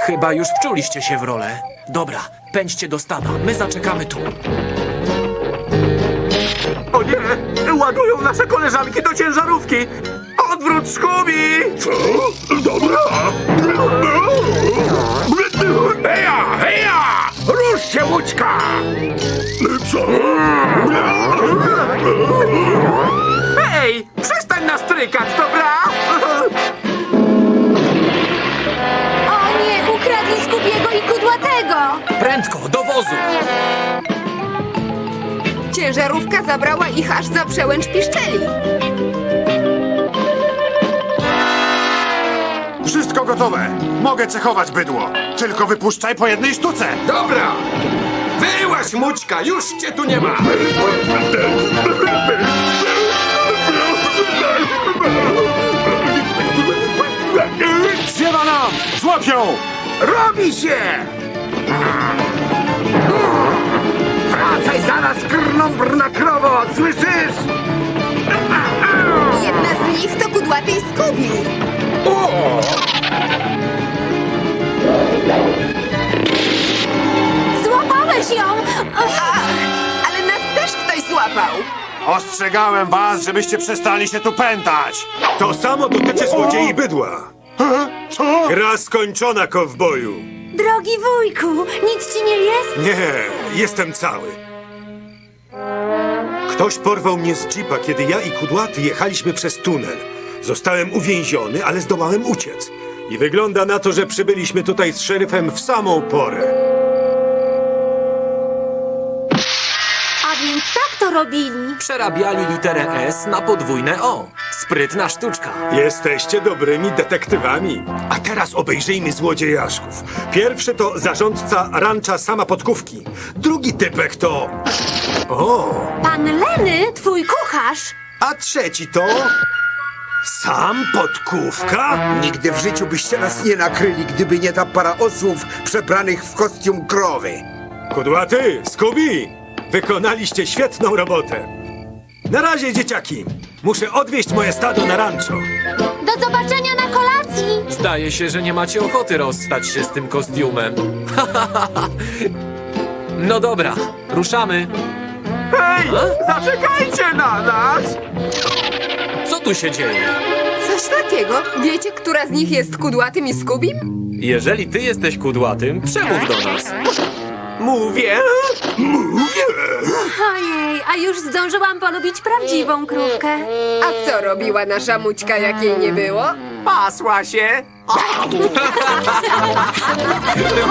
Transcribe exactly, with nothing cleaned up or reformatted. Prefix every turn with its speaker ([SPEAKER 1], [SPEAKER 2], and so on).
[SPEAKER 1] Chyba już wczuliście się w rolę. Dobra, pędźcie do stada, my zaczekamy tu.
[SPEAKER 2] O nie! Ładują nasze koleżanki do ciężarówki! Odwrót, Scooby!
[SPEAKER 3] Co? Dobra.
[SPEAKER 2] Heja, heja! Rusz się, łódźka!
[SPEAKER 3] Co?
[SPEAKER 2] Hej! Przestań nas trykać, dobra?
[SPEAKER 4] O nie, ukradli Skubiego i Kudłatego!
[SPEAKER 1] Prędko, do wozu!
[SPEAKER 5] Ciężarówka zabrała ich aż za przełęcz piszczeli.
[SPEAKER 6] Wszystko gotowe. Mogę cechować bydło. Tylko wypuszczaj po jednej sztuce.
[SPEAKER 2] Dobra! Wyłaź, Mućka, już cię tu nie ma!
[SPEAKER 6] Ziewa nam! Złap ją!
[SPEAKER 2] Robi się! Wracaj zaraz, krnąbrna krowo, słyszysz?
[SPEAKER 5] Jedna z nich to Kudłaty i Skubi.
[SPEAKER 2] O!
[SPEAKER 4] Złapałeś ją!
[SPEAKER 5] Ale nas też ktoś złapał.
[SPEAKER 6] Ostrzegałem was, żebyście przestali się tu pętać.
[SPEAKER 3] To samo dotyczy złodziei bydła.
[SPEAKER 6] Co?
[SPEAKER 3] Gra skończona, kowboju.
[SPEAKER 4] Drogi wujku, nic ci nie jest?
[SPEAKER 3] Nie, jestem cały. Ktoś porwał mnie z jeepa, kiedy ja i Kudłaty jechaliśmy przez tunel. Zostałem uwięziony, ale zdołałem uciec. I wygląda na to, że przybyliśmy tutaj z szeryfem w samą porę.
[SPEAKER 4] A więc tak to robili.
[SPEAKER 1] Przerabiali literę S na podwójne O. Sprytna sztuczka.
[SPEAKER 3] Jesteście dobrymi detektywami. A teraz obejrzyjmy złodziejaszków. Pierwszy to zarządca rancza Sama Podkówki. Drugi typek to... O!
[SPEAKER 4] Pan Leny, twój kucharz.
[SPEAKER 3] A trzeci to... Sam Podkówka?
[SPEAKER 7] Nigdy w życiu byście nas nie nakryli, gdyby nie ta para osłów przebranych w kostium krowy.
[SPEAKER 3] Kudłaty, Scooby! Wykonaliście świetną robotę. Na razie, dzieciaki. Muszę odwieźć moje stado na rancho.
[SPEAKER 4] Do zobaczenia na kolacji.
[SPEAKER 1] Zdaje się, że nie macie ochoty rozstać się z tym kostiumem. No dobra, ruszamy.
[SPEAKER 2] Hej! Zaczekajcie na nas!
[SPEAKER 1] Co tu się dzieje?
[SPEAKER 5] Coś takiego. Wiecie, która z nich jest Kudłatym i Skubim?
[SPEAKER 1] Jeżeli ty jesteś kudłatym, przemów do nas.
[SPEAKER 2] Mówię!
[SPEAKER 4] Ojej, a już zdążyłam polubić prawdziwą krówkę.
[SPEAKER 5] A co robiła nasza Mućka, jak jej nie było?
[SPEAKER 2] Pasła się!